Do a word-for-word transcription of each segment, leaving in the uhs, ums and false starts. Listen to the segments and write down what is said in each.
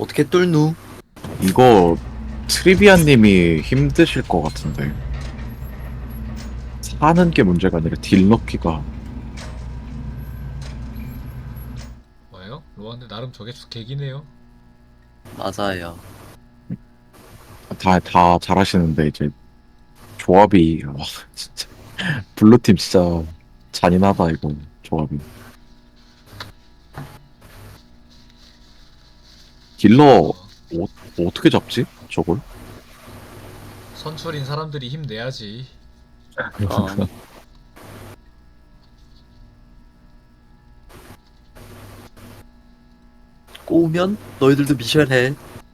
어떻게 뚫누? 이거 트리비아님이 힘드실 것 같은데 사는 게 문제가 아니라 딜 넣기가. 뭐예요? 로아인데 나름 저게 개기네요. 맞아요. 다, 다 잘하시는데 이제 조합이 와 진짜 블루팀 진짜 잔인하다 이거 조합이. 딜러 어, 어, 어떻게 잡지 저걸? 선출인 사람들이 힘내야지. 어. 꼬우면 너희들도 미션 해.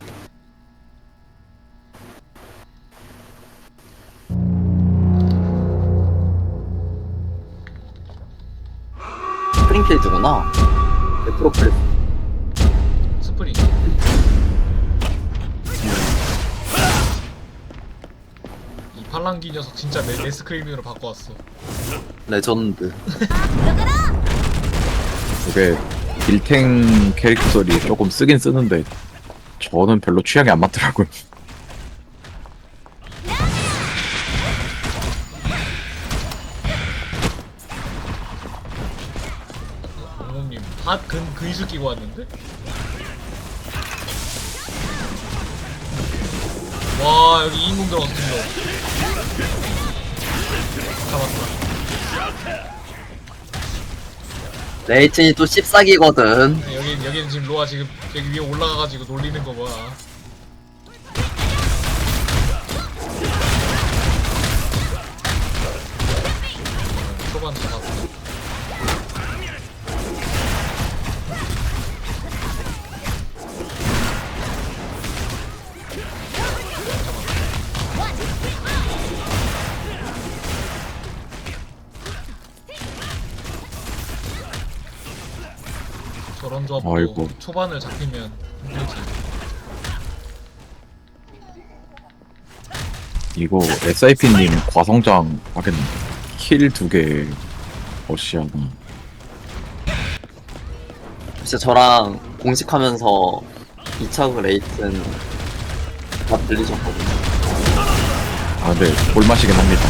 스프링필드구나. 프로필. 스프링. 이 팔랑귀 녀석 진짜 내 레스크리밍으로 바꿔왔어. 레전드. 이게 딜탱 캐릭터들이 조금 쓰긴 쓰는데 저는 별로 취향이 안 맞더라고요. 공공님 핫근 근수 끼고 왔는데? 와 여기 이인공 들어갔어 딜러. 잡았다. 레이튼이 또 씹싸기거든. 네, 여기 여기는 지금 로아 지금 여기 위에 올라가가지고 놀리는 거 봐. 초반 잡았어. 저런 조합도 아이고. 초반을 잡히면 힘들지. 이거 에스아이피님 과성장 하겠는데 킬 두 개 어시하나. 진짜 저랑 공식하면서 이차그 레이튼 다 들리셨거든요. 아, 네, 볼맛이긴 합니다.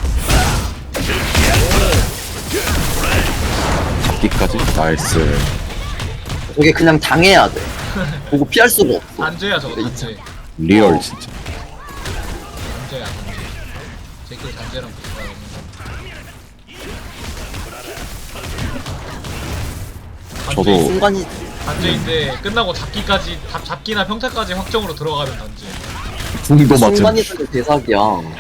잡기까지? 나이스. 저게 그냥 당해야 돼. 보고 피할 수가 없어. 단죄야 저거 단죄. 리얼 어. 진짜. 단죄야 단죄. 제끼리 단죄랑 비슷하거든. 저도 순간이 단죄인데 끝나고 잡기까지 잡, 잡기나 평타까지 확정으로 들어가는 단죄. 궁도 맞은. 순간이동의 대사기야.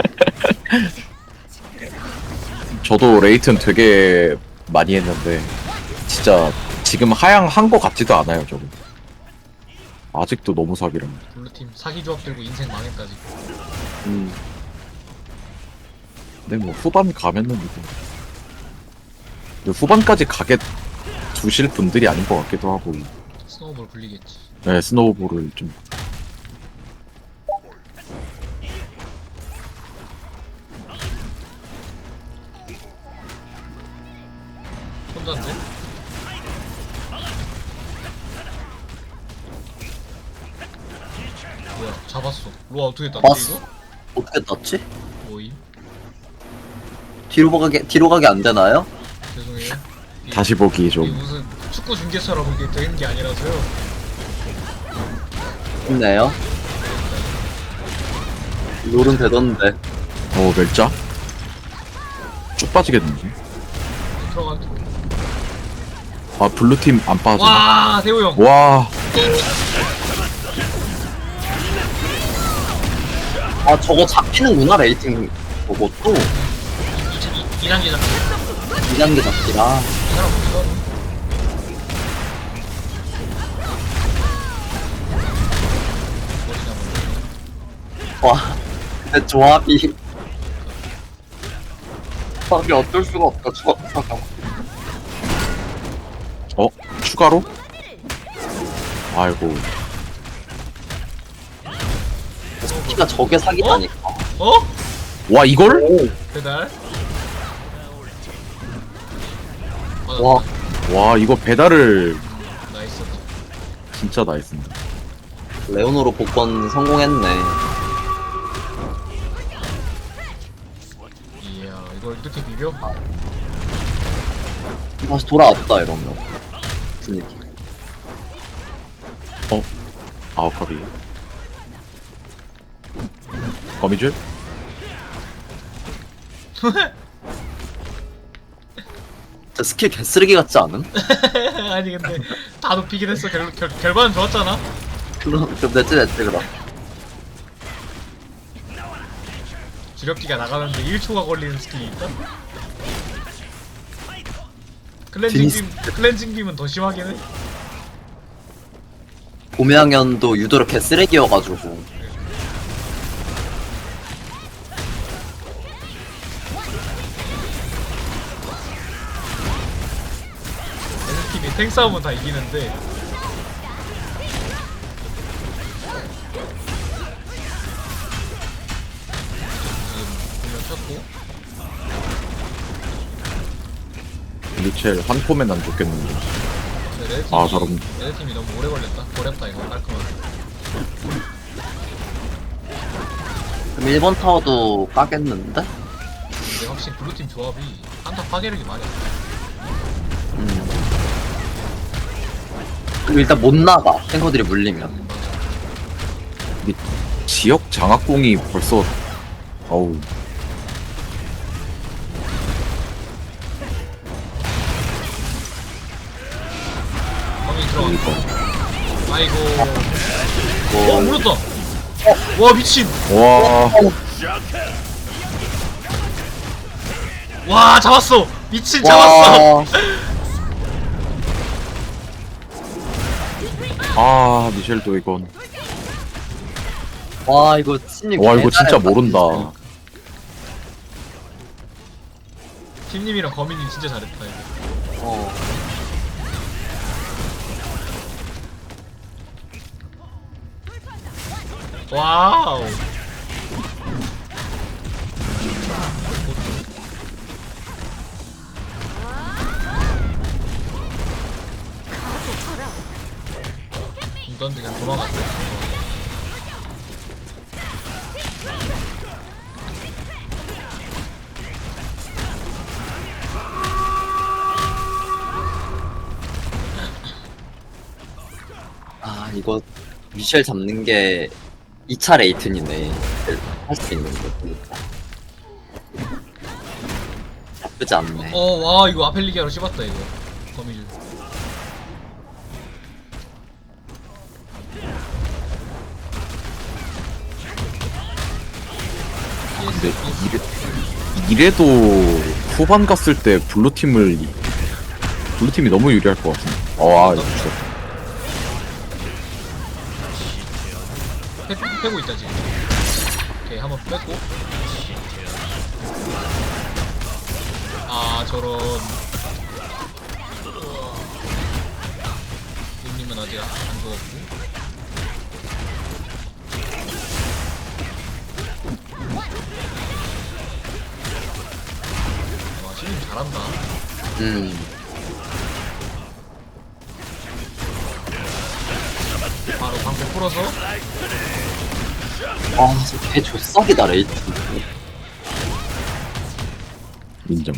저도 레이튼 되게 많이 했는데 진짜 지금 하향한 거 같지도 않아요 저거. 아직도 너무 사기라. 블루팀 사기 조합 들고 인생 망했다 지금. 음. 근데 뭐 후반 가면은 이거. 근데 후반까지 가게 두실 분들이 아닌 것 같기도 하고. 스노우볼 굴리겠지. 네, 스노우볼을 좀. 혼자인데? 뭐야 잡았어. 로아 어떻게 땄지 봤어. 이거? 어떻게 땄지? 뭐임? 뒤로 가게 뒤로 가게 안 되나요? 죄송해요. 이- 다시 보기 이게 좀. 무슨 축구 중계처럼 이게 되는 게 아니라서요. 좋네요. 롤은 되던데. 어, 멸자? 쭉 빠지겠는데? 들어간. 아, 블루팀 안 빠지네. 와 대호 형. 와, 아 저거 잡히는구나 레이팅. 저것도 이 단계 잡기. 이 단계 잡기라. 이 사람 어디서? 와, 근데 조합이 조합이 어쩔 수가 없다. 조합 잠깐. 어? 추가로? 아이고. 키가 저게 사기다니까. 어? 와, 이걸? 오, 배달. 와, 와, 이거 배달을 나이스. 진짜 나이스입니다. 레오노로 복권 성공했네. 이야 이걸 이렇게 비벼? 다시 돌아왔다 이러면. 분위기. 어? 아웃컵이 거미줄? 저 스킬 개쓰레기 같지 않음? 아니 근데 다 높이긴 했어. 결, 결, 결과는 좋았잖아. 그럼 그럼 냈지 냈지 그럼. 주력기가 나가는데 일 초가 걸리는 스킬이 있다? 클렌징 디니스. 빔, 클렌징 빔은 더 심하긴 해. 봄양연도 유도로 개쓰레기여가지고. 얘네 팀이 탱 싸움은 다 이기는데 지금 분명 쳤고 리첼 한 포면 안 좋겠는데. 근데 레드 팀이, 아, 저런. 레드 팀이 너무 오래 걸렸다. 어렵다 이거 깔끔하게. 그럼 일 번 타워도 까겠는데? 근데 확실히 블루팀 조합이 한타 파괴력이 많이 없어. 음. 그럼 일단 못 나가. 탱커들이 물리면. 근데 지역 장악공이 벌써 어우 범위 들어가. 이거 아이고. 뭐, 어 물었다. 와 미친. 와 와 잡았어. 미친 잡았어. 아 미셸도 이건 와 이거 신님 와 이거 진짜 개잘했다, 모른다. 진짜. 팀님이랑 거민님 진짜 잘했다 이거. 어. 와우. 던지 그냥 도망갔어. 아 이거 미셸 잡는 게 이 차 레이튼이네. 할 수 있는 거. 그러니까. 나쁘지 않네. 어, 와, 이거 아펠리기아로 씹었다, 이거. 거미줄. 근데 이래, 이래도 후반 갔을 때 블루팀을 블루팀이 너무 유리할 것 같은데. 어, 아, 진짜. 패, 패고 있다, 지금. 오케이, 한번 뺐고. 아, 저런. 님님은 아직 안 죽었고. 와, 신님 잘한다. 음. 바로 방패 풀어서. 아, 개 조싹이다 레이튼. 인정.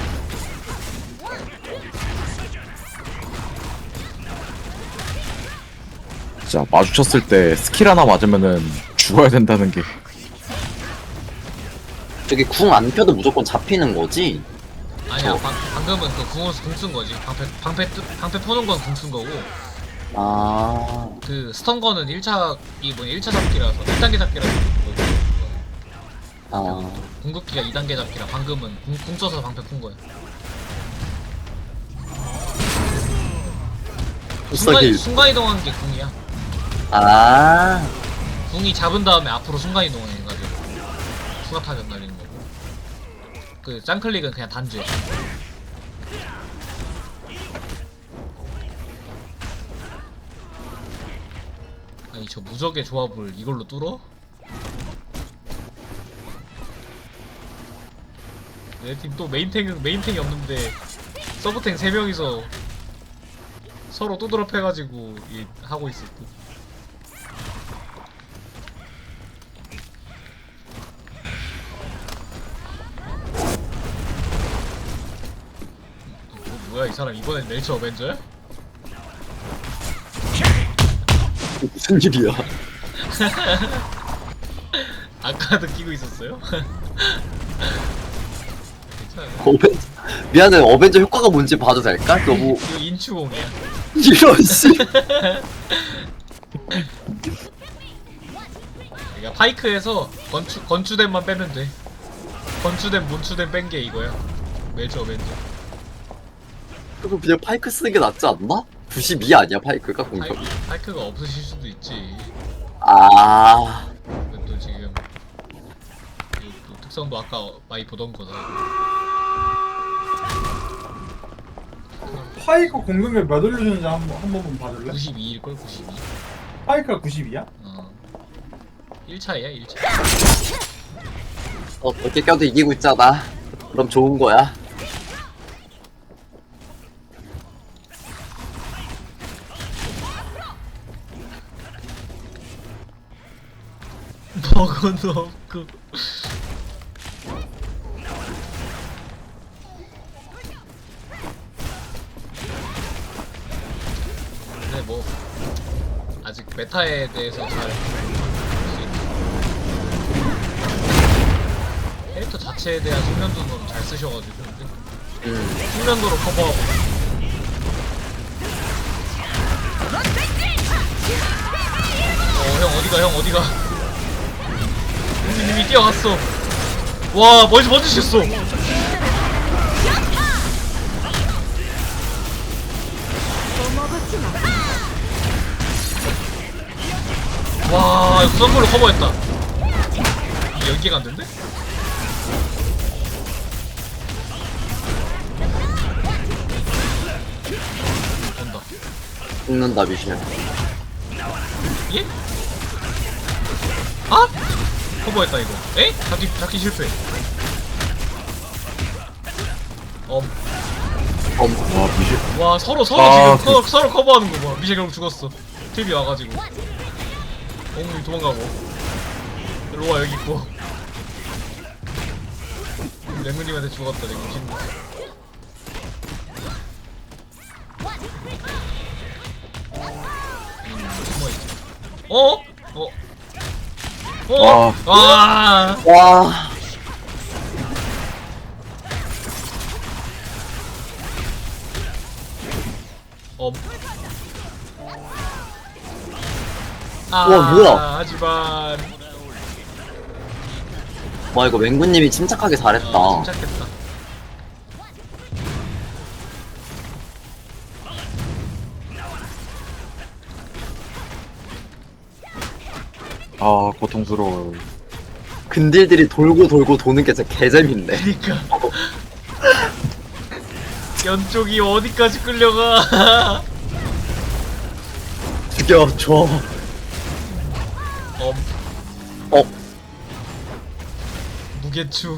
진짜 마주쳤을 때 스킬 하나 맞으면은 죽어야 된다는 게. 저기 궁 안 펴도 무조건 잡히는 거지? 아니야, 어. 방, 방금은 그 궁으로 궁 쓴 거지. 방패, 방패, 뜨- 방패 퍼는 건 궁 쓴 거고. 아, 그 스턴 거는 일 차, 이 뭐냐, 일 차 잡기라서, 일 단계 잡기라서. 아, 궁극기가 이 단계 잡기라 방금은 궁, 궁 써서 방패 푼 거야. 순간, 조싹이. 순간이동한 게 궁이야. 아, 궁이 잡은 다음에 앞으로 순간이동을 해가지고 추가 타격 날리는 거고. 그 짱클릭은 그냥 단주야. 아니 저 무적의 조합을 이걸로 뚫어? 내 팀 또 메인탱은 메인탱이 없는데 서브탱 세 명이서 서로 또드럽 해가지고 이, 하고 있어 또. 뭐야 이 사람 이번엔 네이처 어벤져야? 무슨 일이야? 아까도 끼고 있었어요? 괜찮아요. 어벤 미안해 어벤져 효과가 뭔지 봐도 될까? 너무 이거 인추공이야. 이런 씨. 그러니까 파이크에서 건추 건추댐만 빼면 돼. 건추댐 몬추댐 뺀 게 이거야. 매주 어벤져. 그럼 그냥 파이크 쓰는 게 낫지 않나? 구십이 아니야 파이크가 공격? 파이, 파이크가 없으실 수도 있지. 아 근데 또 지금 이 또 특성도 아까 어- 많이 보던 거다. 파이크 공격력 몇 올려주는지 한, 번- 한 번만 봐줄래? 구십이일걸 구십이. 파이크가 구십이야? 어. 일 차이야 일 차. 어떻게 껴도 이기고 있잖아. 그럼 좋은 거야. 버거도 없고. 근데 뭐 아직 메타에 대해서 잘 캐릭터 자체에 대한 숙련도는 잘 쓰셔가지고 근데 음. 숙련도로 커버하고. 어 형 어디가 형 어디가. 형님이 뛰어갔어. 와 멀지 멀지셨어. 와 이거 썬걸로 커버했다. 이게 연계가 안 된대? 온다. 죽는다 미셸. 예? 아? 커버했다 이거. 에? 잡기 잡기 실패. 엄. 엄. 와 미실 와 서로 서로 아, 지금 서로, 서로 커버하는 거 봐. 미셸 결국 죽었어. 팁이 와가지고. 엉이 도망가고. 로아 여기 있고. 랭구님한테 죽었다 랭구 친구. 숨어있지. 어? 어? 어? 와. 와. 엄. 아, 우와, 뭐야? 하지만 와 이거 맹구님이 침착하게 잘했다. 어, 침착했다. 아 고통스러워. 근딜들이 돌고 돌고 도는 게 진짜 개재밌네. 그니까 연쪽이 어디까지 끌려가. 죽여줘. 엄. 어. 무게추.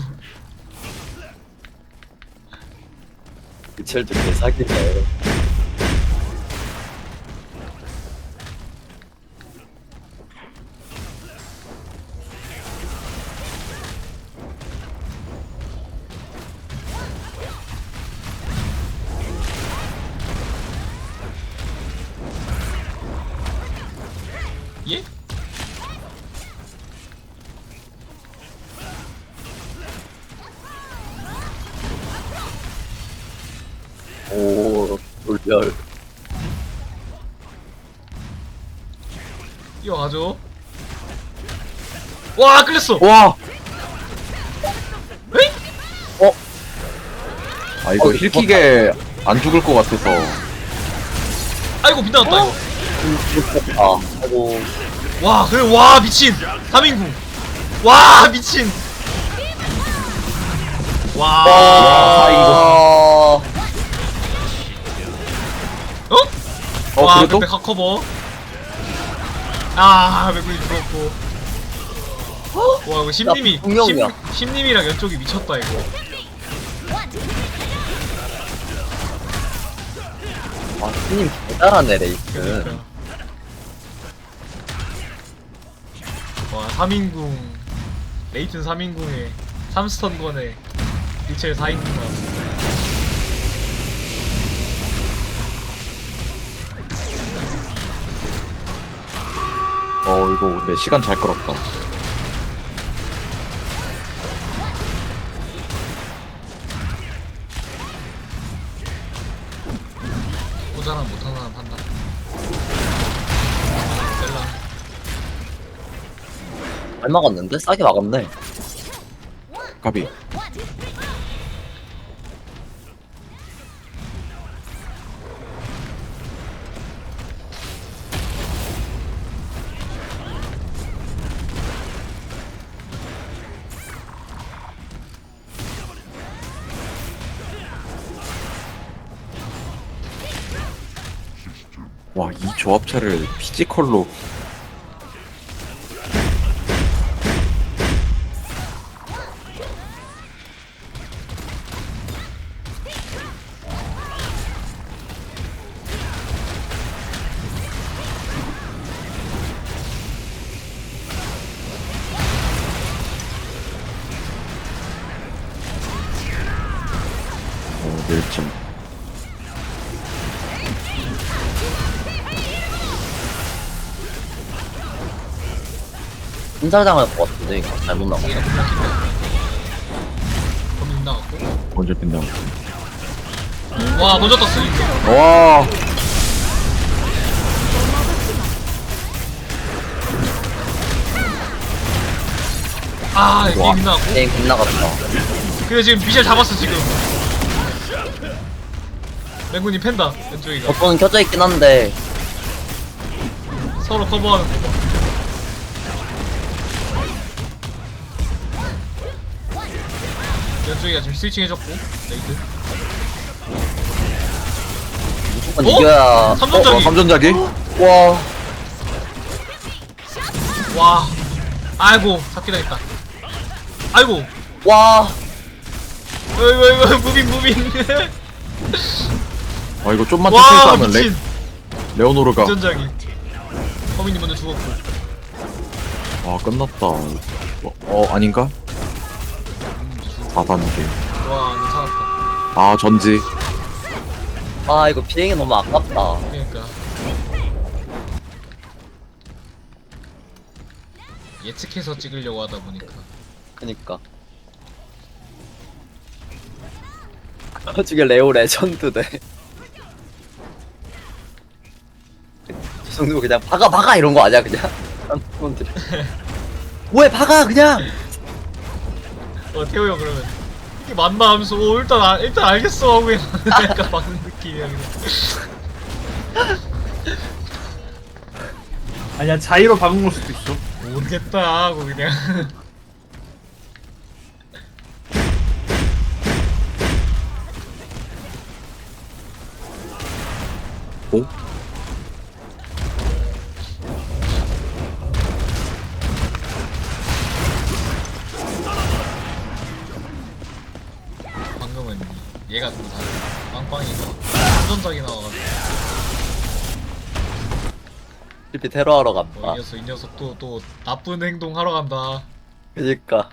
미첼도 개사기네. 예? 오 돌별. 뛰어가죠. 와 끌렸어. 와. 에이? 아 이거 어, 힐킥에 안 죽을 것 같아서. 아이고 빗나갔다 이거. 아 아이고. 와 그래 와 미친 삼 인구. 와 미친. 와. 아 어? 어 와 그래도? 백백 커버. 아 맥구이 죽었고. 와 이거 심님이 야, 분명이야. 심, 심님이랑 연쪽이 미쳤다 이거. 아 스님 개잘하네 레이스. 그러니까. 와 삼 인궁 레이튼 삼 인궁에 삼 스턴 건에 리첼 사 인궁 나왔어. 어 이거 근데 시간 잘 끌었다. 모자란 못하는 사람 판다. 셀라. 잘 막았는데? 싸게 막았네. 가비. 와, 이 조합차를 피지컬로 어, 멸점. 분살당할 것 같은데 이거 잘못 나갔어. 얘가 블락인데. 범인 나갔고. 먼저 빛나고. 와 먼저 떴어 이거. 와, 아 이게 와. 게임 나갔고. 게임 끝나갔다. 그래 지금 미셸 잡았어 지금. 맹군이 팬다 왼쪽이가. 버튼은 켜져 있긴 한데 서로 커버하는 거 봐. 왼쪽이가 지금 스위칭 해줬고 레이드. 무조건 어? 이겨야. 삼점짜리. 어, 삼전자기? 와. 와. 아이고 잡기 당했다. 아이고. 와. 어이구 어이구 무빙 무빙. 아 이거 좀만 와 천천히 싸우면 레, 미친. 레오노르가 전자기. 허민이 먼저 죽었고. 아 끝났다. 어, 어 아닌가? 사 단계. 와 괜찮았다. 아 전지. 아 이거 비행이 너무 아깝다. 그러니까. 예측해서 찍으려고 하다 보니까. 그니까. 나중에 레오 레전드네. 저 정도 그냥 박아 박아 이런 거 아니야 그냥? 사람들이. 뭐해 박아 그냥. 어 태호 형 그러면 이게 맞나 하면서 오 일단 아, 일단 알겠어 하고 그냥 약간 막는 느낌이야 그냥. 아니야 자의로 박은 걸 수도 있어. 모르겠다 하고 그냥. 오? 방금은 얘가 좀 다르. 빵빵이가 한전작이 나와가지고 실비 테러하러 어, 갔다. 이 녀석 이 녀석 또 또 나쁜 행동 하러 간다. 그니까.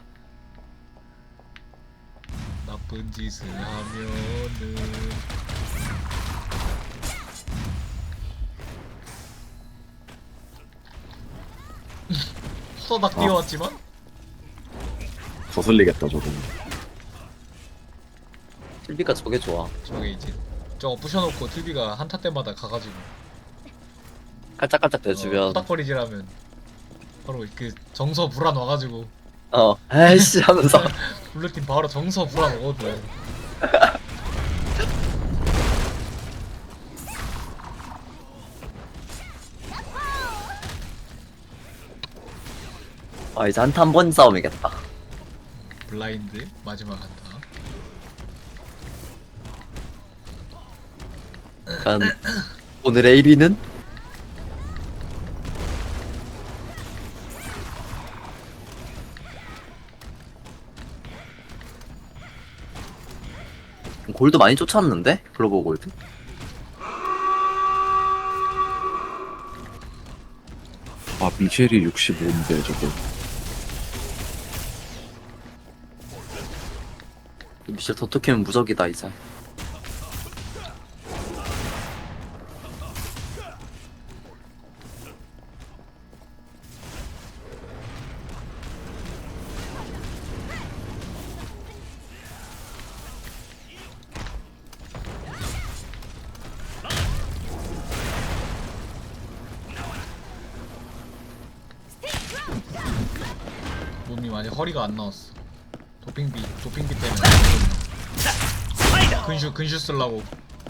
나쁜 짓을 하면은 후다닥 뛰어왔지만 거슬리겠다 저거. 실비가 저게 좋아. 저게 이제 저거 부셔놓고 틀비가 한타 때마다 가가지고 깔짝깔짝 어, 대주면 후닥거리질하면 바로 그 정서 불안 와가지고 어 에이씨 하면서 블루팀 바로 정서 불안 오거든. 아 이제 한타 한 번 싸움이겠다. 블라인드 마지막 한타. 약간 오늘의 일 위는 골드 많이 쫓았는데? 글로벌 골드? 아 미셸이 육십오인데 저거. 미셸 더토키면 무적이다 이제. 지금 아직 허리가 안 나왔어. 도핑비 도핑비 때문에 근슈 근슈 쓰려고.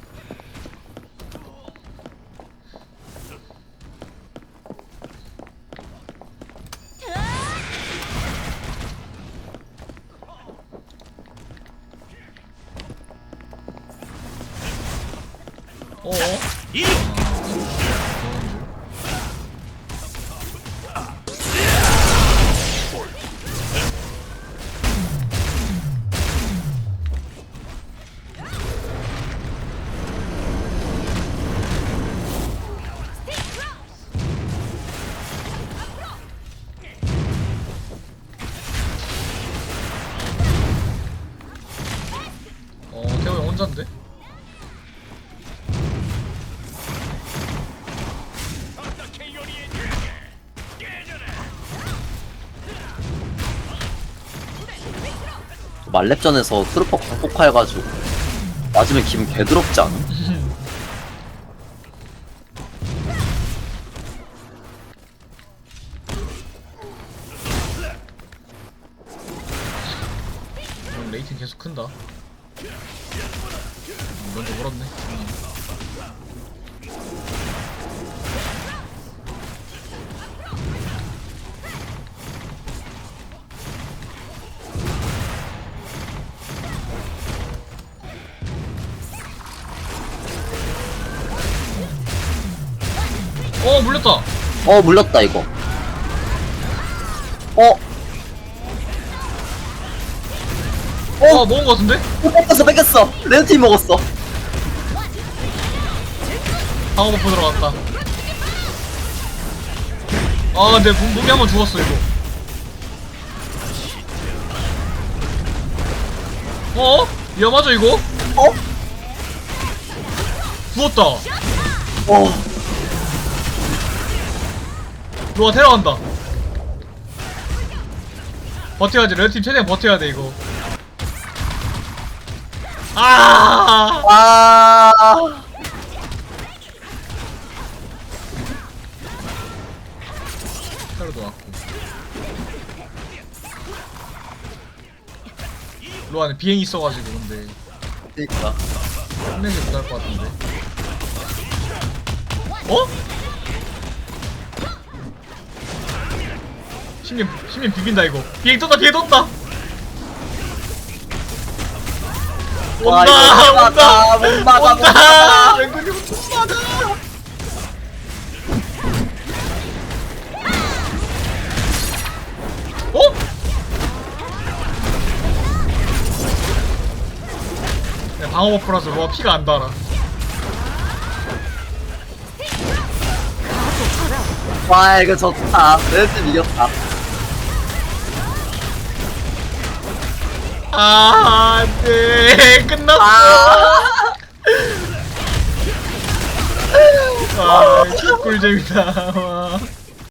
어어? 어, 태호 형 혼잔데? 말렙전에서 트루퍼 광폭화해가지고 맞으면 기분 개더럽지 않아? 음, 레이팅 계속 큰다. 음, 먼저 물었네. 음. 어 물렸다. 어 물렸다 이거. 어? 어 먹은 거 같은데? 어 뺏겼어 뺏겼어. 레드팀 먹었어. 방어 버프 들어갔다. 아 근데 무- 무기 한번 죽었어 이거. 어? 위험하죠 이거? 어? 죽었다. 어. 로아 데려간다. 버텨야지. 레드팀 최대한 버텨야 돼 이거. 아! 아. 테러도 왔고. 로아는 비행 있어가지고 근데 그니까. 혼내지 못할 것 같은데. 어? 신님 신님 비빈다 이거. 비행 떴다 비행 떴다. 와, 온다 이거 못 온다 막아, 못 막아, 못 온다. 막아. 맹근님 못 막아. 어? 야, 방어 버프라서 로아 피가 안 달아. 와 이거 좋다. 레드팀 이겼다. 아, 안돼. 끝났어. 아. 아, 꿀잼이다. 와.